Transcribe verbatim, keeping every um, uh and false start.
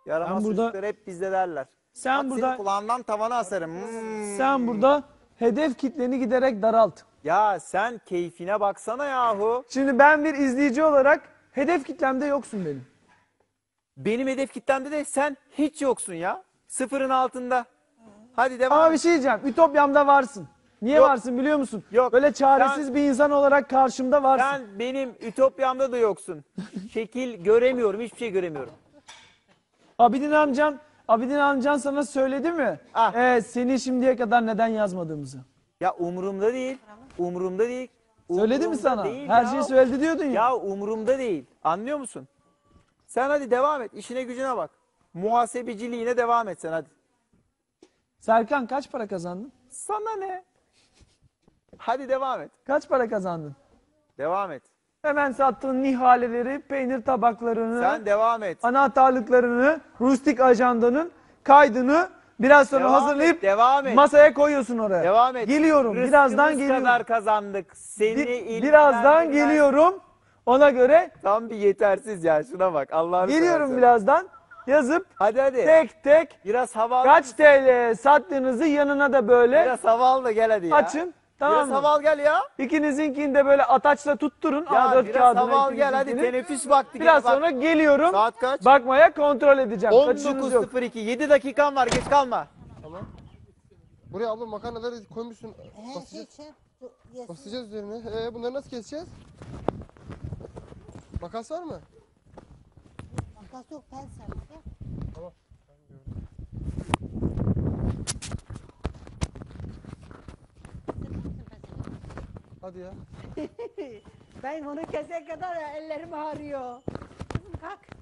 Yaramaz burada- çocuklar hep bizde derler. Sen Bak burada senin kulağından tavana asarım. Hmm. sen burada hedef kitleni giderek daralt. Ya sen keyfine baksana yahu. Şimdi ben bir izleyici olarak hedef kitlemde yoksun benim. Benim hedef kitlemde de sen hiç yoksun ya. Sıfırın altında. Hadi devam. Ama bir şey diyeceğim. Ütopyamda varsın. Niye Yok. varsın biliyor musun? Yok. Böyle çaresiz Sen- bir insan olarak karşımda varsın. Sen benim ütopyamda da yoksun. Şekil göremiyorum, hiçbir şey göremiyorum. Abidin amcan, Abidin amcan sana söyledi mi? Ah. Ee, seni şimdiye kadar neden yazmadığımızı. Ya umurumda değil. Umurumda değil. Söyledi mi Umurumda sana? değil Her ya. şeyi söyledi diyordun ya. Ya umurumda değil. Anlıyor musun? Sen hadi devam et. İşine gücüne bak. Muhasebeciliğine devam et sen hadi. Serkan kaç para kazandın? Sana ne? Hadi devam et. Kaç para kazandın? Devam et. Hemen sattığın nihaleleri, peynir tabaklarını, Sen devam et. anahtarlıklarını, rustik ajandanın kaydını biraz sonra Devam hazırlayıp et, devam et. masaya koyuyorsun oraya. Devam et. Geliyorum. Rızkımız Birazdan geliyorum. kadar kazandık. Seni Bir- ilgilendirmez. birazdan geliyorum. Ona göre Tam bir yetersiz ya. Şuna bak. Allah'ını geliyorum seversen. birazdan. Yazıp Hadi hadi. tek tek Biraz hava al. kaç T L sattığınızı yanına da böyle Biraz hava al da gel hadi ya. açın. Tamam Biraz mı? hava al gel ya. İkinizinkini de böyle ataçla tutturun. Ya A dört biraz kağıdına hava al gel hadi. ikinizinkini. Teneffüs vakti. Biraz gel, bak. sonra geliyorum. Saat kaç? Bakmaya kontrol edeceğim. Kaçışınız yok. on dokuz sıfır iki. yedi dakikan var. Geç kalma. Tamam. Buraya abla makarnaları koymuşsun. He, şey, Basacağız, şey, bu- yesin. basacağız üzerine. Ee, bunları nasıl keseceğiz? Makas var mı? Makas yok, ben sana. Gel. Tamam. Hadi ya. Ben onu kesene kadar ellerim ağrıyor. Kızım kalk.